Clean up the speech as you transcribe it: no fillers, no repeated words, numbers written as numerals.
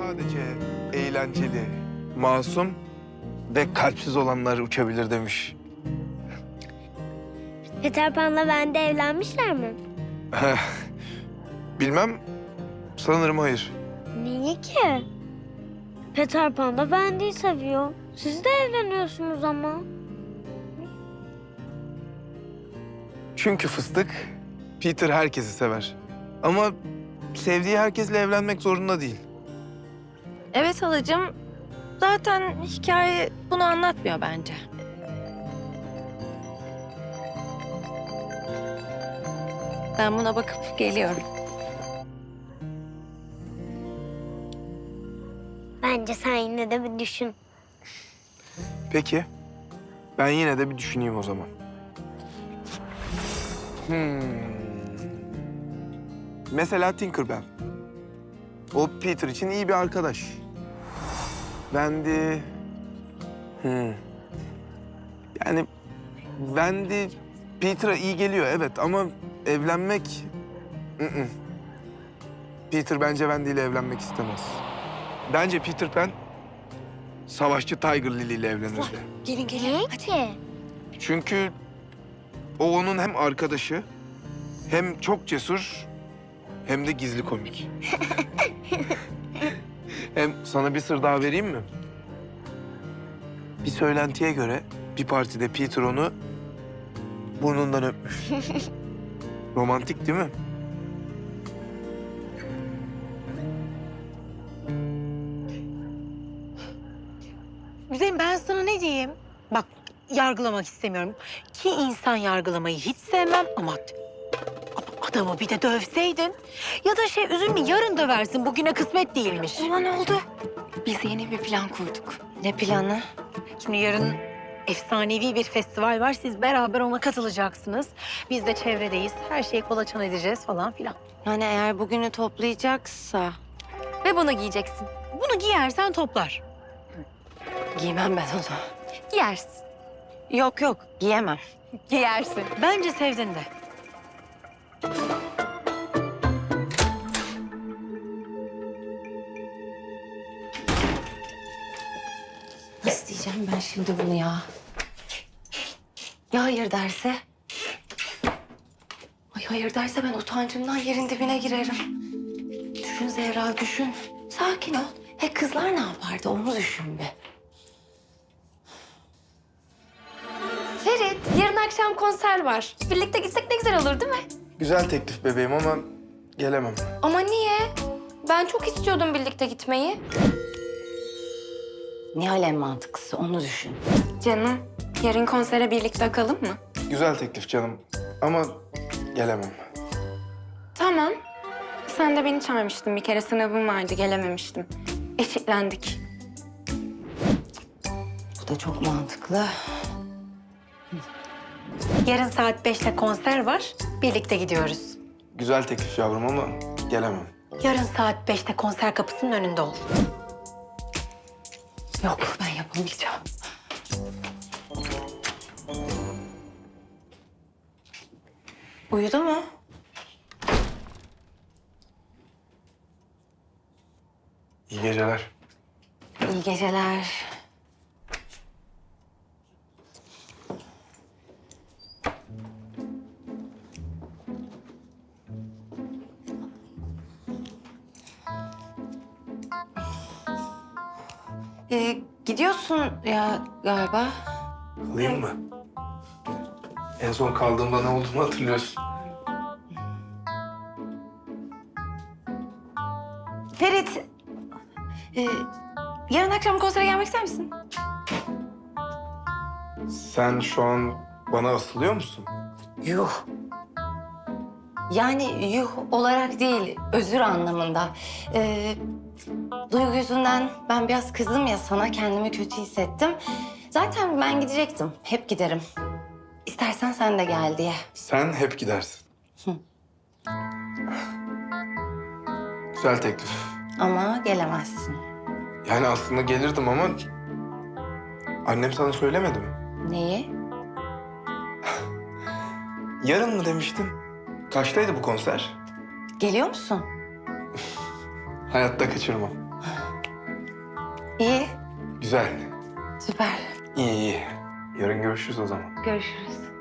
sadece eğlenceli, masum ve kalpsiz olanlar uçabilir demiş. Peter Pan'la Wendy evlenmişler mi? Bilmem, sanırım hayır. Niye ki? Peter Pan da Wendy'yi seviyor. Siz de evleniyorsunuz ama. Çünkü fıstık, Peter herkesi sever. Ama sevdiği herkesle evlenmek zorunda değil. Evet halacığım. Zaten hikaye bunu anlatmıyor bence. Ben buna bakıp geliyorum. Bence sen yine de bir düşün. Peki, ben yine de bir düşüneyim o zaman. Mesela Tinkerbell. O Peter için iyi bir arkadaş. Wendy... Yani Wendy Peter'a iyi geliyor evet ama evlenmek... Peter bence Wendy ile evlenmek istemez. Bence Peter Pan savaşçı Tiger Lily ile evlenirdi. Gelin Niye ki? Çünkü o onun hem arkadaşı hem çok cesur hem de gizli komik. Hem sana bir sır daha vereyim mi? Bir söylentiye göre bir partide Peter onu burnundan öpmüş. Romantik değil mi? Güzelim ben sana ne diyeyim? Bak yargılamak istemiyorum. Ki insan yargılamayı hiç sevmem ama adamı bir de dövseydin. Ya da üzülme yarın döversin bugüne kısmet değilmiş. Ulan oldu. Biz yeni bir plan kurduk. Ne planı? Şimdi yarın efsanevi bir festival var. Siz beraber ona katılacaksınız. Biz de çevredeyiz. Her şeyi kolaçan edeceğiz falan filan. Yani eğer bugünü toplayacaksa... Ve bunu giyeceksin. Bunu giyersen toplar. Giymem ben onu. Giyersin. Yok yok giyemem. Giyersin. Bence sevdin de. Nasıl diyeceğim ben şimdi bunu ya? Ya hayır derse? Ay hayır derse ben utancımdan yerin dibine girerim. Düşün Zehra düşün. Sakin ol. Kızlar ne yapardı onu düşün bir. Ferit, yarın akşam konser var. Birlikte gitsek ne güzel olur değil mi? Güzel teklif bebeğim ama gelemem. Ama niye? Ben çok istiyordum birlikte gitmeyi. Nihal en mantıklısı onu düşün. Canım, yarın konsere birlikte akalım mı? Güzel teklif canım ama gelemem. Tamam. Sen de beni çağırmıştın. Bir kere sınavım vardı, gelememiştim. Eşitlendik. Bu da çok mantıklı. Yarın saat 5'te konser var. Birlikte gidiyoruz. Güzel teklif yavrum ama gelemem. Yarın saat 5'te konser kapısının önünde ol. Yok ben yapamayacağım. Uyudu mu? İyi geceler. İyi geceler. Gidiyorsun ya galiba. Kalayım mı? En son kaldığımda ne olduğunu hatırlıyorsun. Ferit, yarın akşam konsere gelmek ister misin? Sen şu an bana asılıyor musun? Yuh. Yani yuh olarak değil, özür anlamında. Duygu yüzünden ben biraz kızdım ya sana, kendimi kötü hissettim. Zaten ben gidecektim, hep giderim. İstersen sen de gel diye. Sen hep gidersin. Güzel teklif. Ama gelemezsin. Yani aslında gelirdim ama annem sana söylemedi mi? Neyi? Yarın mı demiştin? Kaçtaydı bu konser? Geliyor musun? Hayatta kaçırmam. İyi, Güzel. süper. İyi iyi. Yarın görüşürüz o zaman. Görüşürüz.